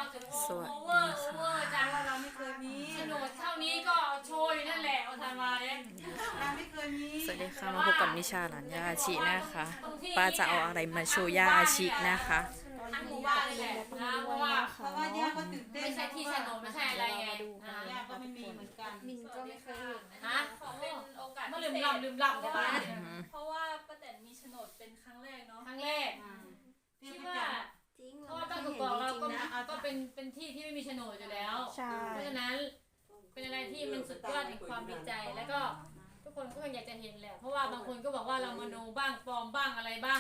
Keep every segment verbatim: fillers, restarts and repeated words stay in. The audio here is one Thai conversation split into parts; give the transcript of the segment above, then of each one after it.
ถึงโอสวัสดีเวอร์โอเวอร์จังว่าเราไม่เคยมีโฉนดเท่านี้ก็โชว์อยู่นั่นแหละเอาทันมาเนี่ยเราไม่เคยมีสวัสดีค่ะมาพบกับนิชาหลานย่าอาชินะคะป้าจะเอาอะไรมาโชว์ย่าอาชินะคะทั้งหมู่บ้านเลยแหละนะเพราะว่าเพราะว่าย่าก็ตื่นเต้นไม่ใช่ที่โฉนดไม่ใช่อะไรไงอ่าย่าก็ไม่มีเหมือนกันมินก็ไม่เคยเห็นฮะขอเป็นโอกาสมาพิลืมเศษลำลืมลำใช่ไหมเพราะว่าป้าแตนมีโฉนดเป็นครั้งแรกเนาะครั้งแรกอ่าคิดว่าจริงเพราะว่าบ้านกอกๆเราก็ก็เป็นเป็นที่ที่ไม่มีโฉนดอยู่แล้วใช่เพราะฉะนั้นเป็นอะไรที่มันสุดยอดแห่งความดีใจ แล้วก็ทุกคนก็อยากจะเห็นแหละ เพราะว่าบางคนก็บอกว่าเรามโนบ้างปลอมบ้างอะไรบ้าง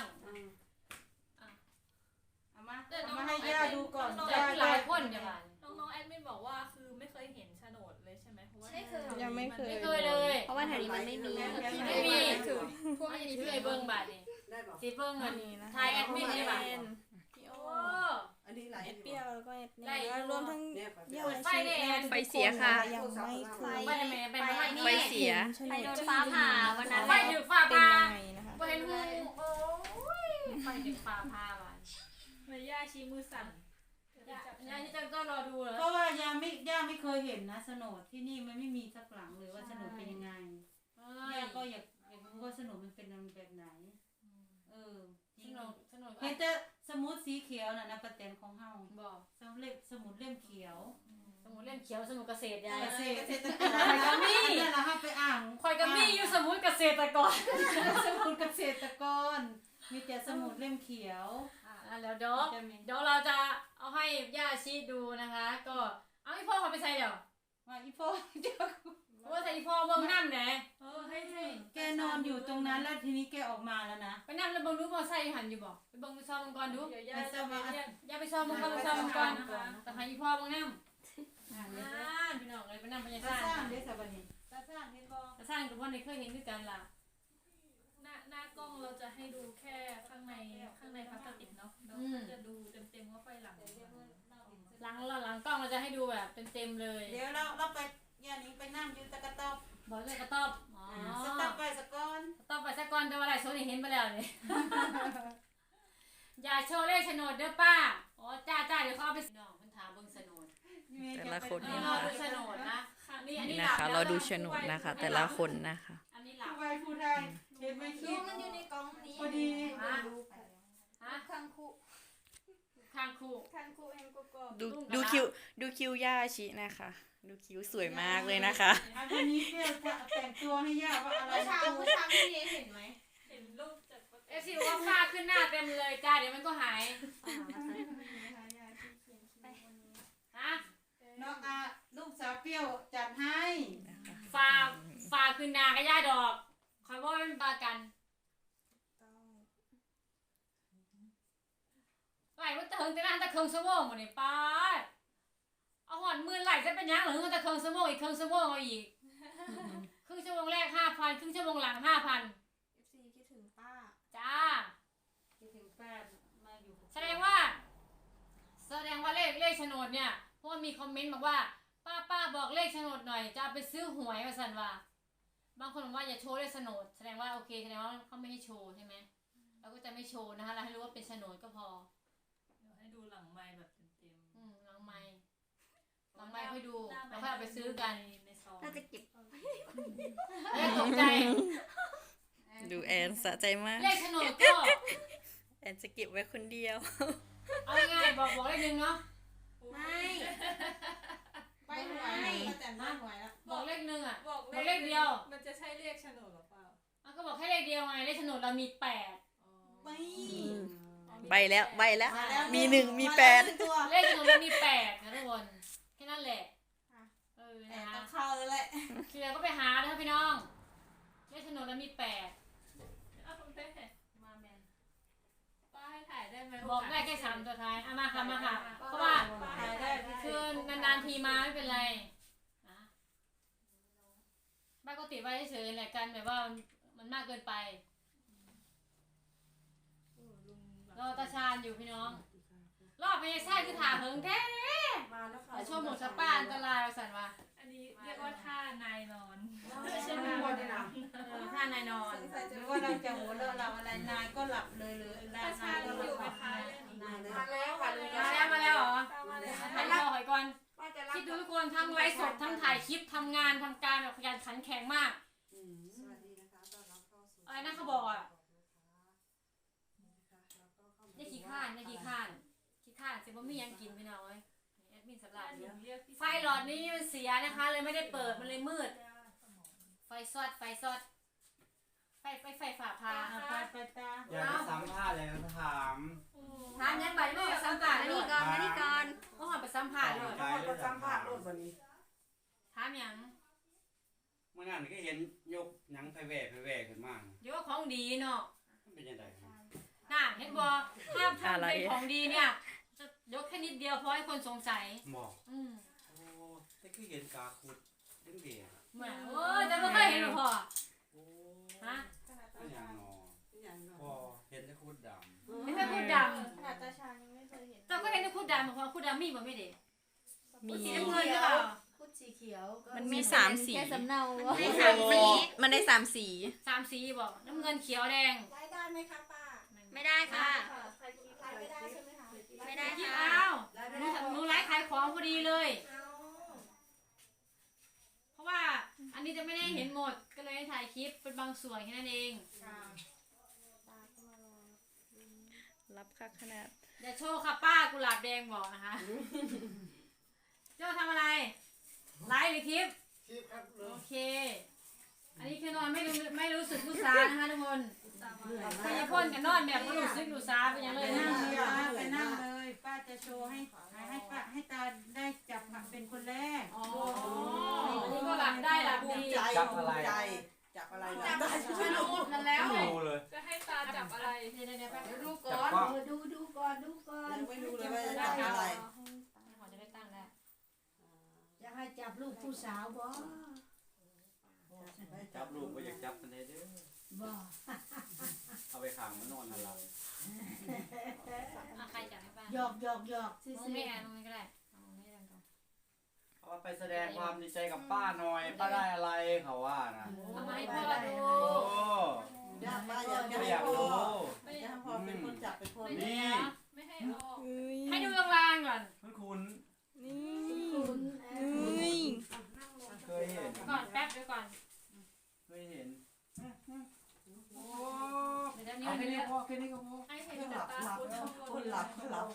เอามาเอามาให้ย่าดูก่อนแต่ที่หลายคนเนี่ยค่ะน้องๆแอดมินบอกว่าคือไม่เคยเห็นโฉนดเลยใช่ไหมเพราะว่าไม่เคยยังไม่เคยไม่เคยเลยเพราะว่าแถวนี้มันไม่มีไม่มีถือพวกนี้ถือไอ้เบิ้งบาทนี่สีเบิ้งเงินไทยแอดมินนี่บาทพี่โอ้โออันนี้หลายเอ็ดเปรี้ยวแล้วก็เอ็ดได้เนี่ยรวมทั้งเนี่ยยาเปิดไฟได้แอนไฟเสียค่ะยังไม่เคยไปได้ไหมไปไม่ได้นี่ไฟเสียไปโดนฟ้าผ่าวันนั้นไฟถึงฟ้าเป็นผ่ายังไงนะคะไปเห็นหูโอ้ยไฟถึงฟ้าผ่าบาทเมย่าชี้มือสั่นย่าที่จะต้องรอดูเหรอเพราะว่าย่าไม่ย่าไม่เคยเห็นนะโฉนดที่นี่มันไม่มีสักหลังเลยว่าโฉนดเป็นยังไงย่าก็อยากอยากรู้ว่าโฉนดมันเป็นแบบไหนเออจสริงนุกสนุกเห็นแต่สมุดสีเขียวน่ะนะประเต็นของเฮาบอกสมุดเล่มสมุดเล่มเขียวสมุนเล่นเขียวสมุนเกษตรยายเกษตรเกษตรกรนั่นแหละค่ะไปอ่างคอยกับมี่อยู่สมุนเกษตรกรสมุดเกษตรกรมีแต่สมุดเล่มเขียวอ่าแล้วเดี๋ยวเดี๋ยวเราจะเอาให้ย่าชี้ดูนะคะ ก็เอาอีพ่อเขาไปใส่เดี๋ยวว่าอีพ่อเจ้าเพราะว่าใส่อีพ่อเบิ่งน้ำไหนเออให้ให้แกนอนอยู่ตรงนั้นแล้วทีนี้แกออกมาแล้วนะไปน้ำแล้วเบิ่งดูมอไซค์หันอยู่บ่ไปเบิ่งไปซ้อมมันก่อนดูเดี๋ยวย่าจะไปเรียกอย่าไปซ้อมมันก่อนไปซ้อมมันก่อนนะคะแต่ให้อีพ่อเบิ่งน้ำอ่าอ่าพี่น้องเลยไปน้ำพญาตาซ่าสร้างเด้สบันนี้ตาสร้างเห็นบ่แต่สร้างกับพ่อในเคยเห็นด้วยกันล่ะหน้าหน้ากล้องเราจะให้ดูแค่ข้างในข้างในพลาสติกเนาะเราก็จะดูเต็มๆว่าไฟหลังหลังเราหลังกล้องเราจะให้ดูแบบเต็มๆเลยเดี๋ยวเราเราไปย่านี้ไปนั่งอยู่ตะกะตอบบอกเลยกระต๊อบอ๋อสต๊อกไปสะก้อนกระต๊อบไปสักก่อนแต่ว่าอะไรโซนี่เห็นไปแล้วเนี่ย อย่าโชว์เลขโฉนดเด้อป้าอ๋อจ้าจ้าเดี๋ยวเขาเอาไปน้องมันถามเบิ่งโฉนดแต่ละคนนี่นี่รอนะดูคะโฉนดนะนี่อันนี่นี้หนะลับคะแล้วเราดูโฉนดนะคะ แต่ละคนนะคะอันนี้หลับผู้ใดผู้ใดเห็นไหมคิดูดมันอยู่ในกล่องนี้พอดีฮะฮะข้างคู่ข้างคู่ข้างคู่แห่งกกอกดูดูคิวดูคิวย่าอาชินะคะ ดูคิวสวยมากเลยนะคะอันนี้เพื่อจะแต่งตัวให้ย่าว่าอะไรเมื่อเช้าเมื่อเช้าพี่เนเห็นไหมเห็นรูปจากป้าแตเอน ฟซีบอกว่าผ้าขึ้นหน้าเต็มเลยจ้าเดี๋ยวมันก็หายฮะน้องอาลูกสาวเปรี้ยวจัดให้ฟ้าฟ้าขึ้นหน้ากับย่าดอกคอยว่าเป็นปลากันไหลมันเถิงแต่นั่นตะเคิงสมองหมดนี่ป้าเอาหอนมือไหลจะเป็นยังหรือตะเคิงสมองอีกเคิงสมองเอาอีกครึ่งชั่วโมงแรกห้าพันครึ่งชั่วโมงหลังห้าพันเอฟซีคิดถึงป้าจ้าคิดถึงป้ามาอยู่แสดงว่า แสดงว่าเลขเลขโฉนดเนี่ยเพราะว่ามีคอมเมนต์บอกว่า ป้าป้าบอกเลขโฉนดหน่อยจะเอาไปซื้อหวยมาสันว่าบางคนบอกว่าอย่าโชว์เลขโฉนดแสดงว่าโอเคแสดงว่าเขาไม่ให้โชว์ใช่ไหมเราก็จะไม่โชว์นะคะเราให้รู้ว่าเป็นโฉนดก็พอเดี๋ยวให้ดูหลังไม้แบบเต็มอืมหลังไม้หลังไม้ค่อยดูหน้แล้วค่อยเอาไปซื้อกันในซองน่าจะเก็บเอ้ยตกใจดูแอนสะใจมากเลขโฉนดก็แอนจะเก็บไว้คนเดียวเอาง่ายๆบอกบอกเลขหนึ่งเนาะไม่ไปหวยป้าแต่งบ้านหวยแล้วบอกเลขหนึ่งอ่ะบอกบอกเลขเดียวมันจะใช่เลขโฉนดหรือเปล่าอ่ะก็บอกแค่เลขเดียวไงเลขโฉนดเรามีแปดไม่ใบแล้วใบแล้วาแล้วมีหนึ่งมีแปดาล้วตัวเลขโฉนดเรามีแปดนะทุกคนแค่นั้นแหละเออแต่นะต้คะองเข้าแล้วแหละเคลียร์ก็ไปหานะคะพี่น้องเลขโฉนดเรามีแปดเอาคุณแม่มาแมนป้าให้ถ่ายได้ไหมบอกได้แค่สามตัวท้ายเอามาค่ะมาค่ะเพราะว่าถ่ายได้คือนานๆทีมาไม่เป็นไรนะบ้านก็ติดไว้เฉยๆแหละกันแบบว่ามันมันมากเกินไปรอตาชาญอยู่พี่น้องรอบไม่ใช่คือถามเพิงแท้มาแล้วค่ะแต่ช่วงหมดสป้าอันตรายสั่นว่าอันนี้เรียกว่าท่านายนอนไม่ใช่ไม่หมดเลยนะเออท่านายนอนหรือว่าเราจะหัวเราะเราอะไรนายก็หลับเลยหรือตาชาญก็หอยู่ไหมลับคะนายเลยมาแล้วค่ะเลยมาแล้วมาแล้วเหรอตามมาเลยถ่ายคนทั้งไลฟ์สดทั้งถ่ายคลิปทำงานทำการแบบขยันขันแข็งมากอืมสวัสดีนะคะต้อนรับเข้าสู่อะไรนะเขาบอกอ่ะได้ขี้ข้านได้ขี้ข้านขี้ข้านเสร็จว่ามียังกินพี่น้องเอ้ยแอดมินสำหรับอยู่ไฟหลอดนี้มันเสียนะคะ เลยไม่ได้เปิดมันเลยมืด ไฟซอดไฟซอดไฟไฟไฟฝ่าพาเอาไปไปตาอยากจะสัมภาษณ์เลยนะถามถามยังไปไม่ไปสัมผัสมาเลนี่ยก่อนมานี่ก่อนก็หอมไปสัมผัสเลยต้องมาประจำภาครถวันนี้ถามยังเมื่อนั้นก็เห็นยกหนังไฟแหวกไฟแหวกขึ้นมาเดี๋ยวว่าของดีเนาะมันเป็นยังไงน่าเห็นบอกถ้าทำเป็นของดีเนี่ยจะยกแค่นิดเดียวพอให้คนสงสัยบอกอืมโอ้แต่ก็เห็นกาขุดเรื่องเดียวเหมือนโอ้ยแต่ไม่เคยเห็นหรอกพ่อโอ้ฮะไม่อย่างนออย่างเนาะพอเห็นแต่ขุดดไม่เคยพูดดขนาดตาชายังไม่เคยเห็นำเราก็เห็นแต่พูดดำเพราะพูดดำมีบ่ไม่เด็มีสีน้ำเงินหรือเปล่าพุดสีเขียวก็มันมีสามสีแค่สำเนามันได้สามสีมันได้สามสีสามสีบอกน้ำเงินเขียวแดงไลฟ์ได้ไหมคะป้าไม่ได้ค่ะไลฟ์ไม่ได้ใช่ไหมคะไม่ได้ที่ค่ะอ้าวหนูหนูไลฟ์ขายของพอดีเลยเอาเพราะว่าอันนี้จะไม่ได้เห็นหมดก็เลยถ่ายคลิปเป็นบางส่วนแค่นั้นเองค่ะตาก็มารอรับค่าขนาดอย่าโชว์ค่ะป้ากุหลาบแดงบอกนะคะเจ้าทำอะไรไลฟ์หรือคลิปคลิปครับโอเค อันนี้คือนอนไม่รู้ไม่รู้สึกรู้สานะคะทุกคนพยาพ่นกับนอนแบบไม่รู้สึกรู้สาเป็นอย่างเลยไปนะนั่งเลยป้าไปนั่งเลยป้าจะโชว์ให้ให้ป้าให้ตาได้จับเป็นคนแรกอ๋ออันนี้ก็หลับได้หลับภูดีมิใจภูมิใจจับอะไรนะได้ไม่รู้นั่นแล้วำดูเลยจะให้ตาจับอะไรเดี๋ยวเดี๋ยวเดี๋ยวแป๊บเดี๋ยวนึงดูจัก่บอนกล้องดูดูก่อนดูก่อนยังไม่รู้เลยว่าจะจับอะไรขอจะได้ตั้งแล้วจะให้จับลูกผู้สาวบ่จับลูกก็อยากจับมันได้เด้อบ่เอาไปขังมันนอนนั่นละอ่ะใครจับให้ป้าหยอกหยอกหยอกซื่มองอไม่แอนมองไม่ก็ได้เอามองไม่ได้ก่อนเอาไปแสดงความดีใจกับป้าหน่อยป้าได้อะไรเขาว่านะเอามาให้พ่อดูโอ้อยากป้าอยากไม่ให้อยากพ่อรู้อยากให้พ่อเป็นคนจับเป็นคนนี่ไม่ให้เอาออกให้ดูลางๆก่อนคุณคุณนี่ๆคุณเอ่อนี่เคยเห็นก่อนแป๊บเดี๋ยวก่อนเคยเห็นโอ้เดี๋ยวเอานี้แค่นี้ก็พอแค่นี้ก็พอให้เห็นก็หแต่ลับตาหลับคุณข้างบคนนหลับหลับ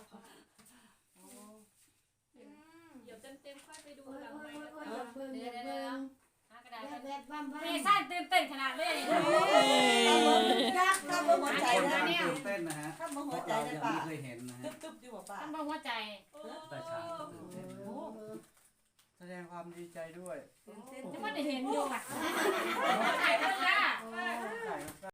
เดี๋ยวเต็มๆค่อยไปดูโอ้ยหลังโอ้ไมยค์โอ้ยแล้วโอ้ยกันอย่าเบิ่งอย่าเบิ่งหากระดาษแบก่อนบแบบบ้ามบ้าเมซ่านตื่นเต้นขนาดเลยยักษ์ข้ามหัวใจคนนะกำลังตื่นเต้นนะฮะข้ามพหัววกใจเรานะยังป้าไม่เคยเห็นนะฮะตึ๊บตึ๊บอยู่ป้าท่านบอกหัวใจโอ้แต่ชาตื่นเต้นแสดงความดีใจด้วยตื่นเต้นจะว่าได้เห็นอยู่ค่ะเ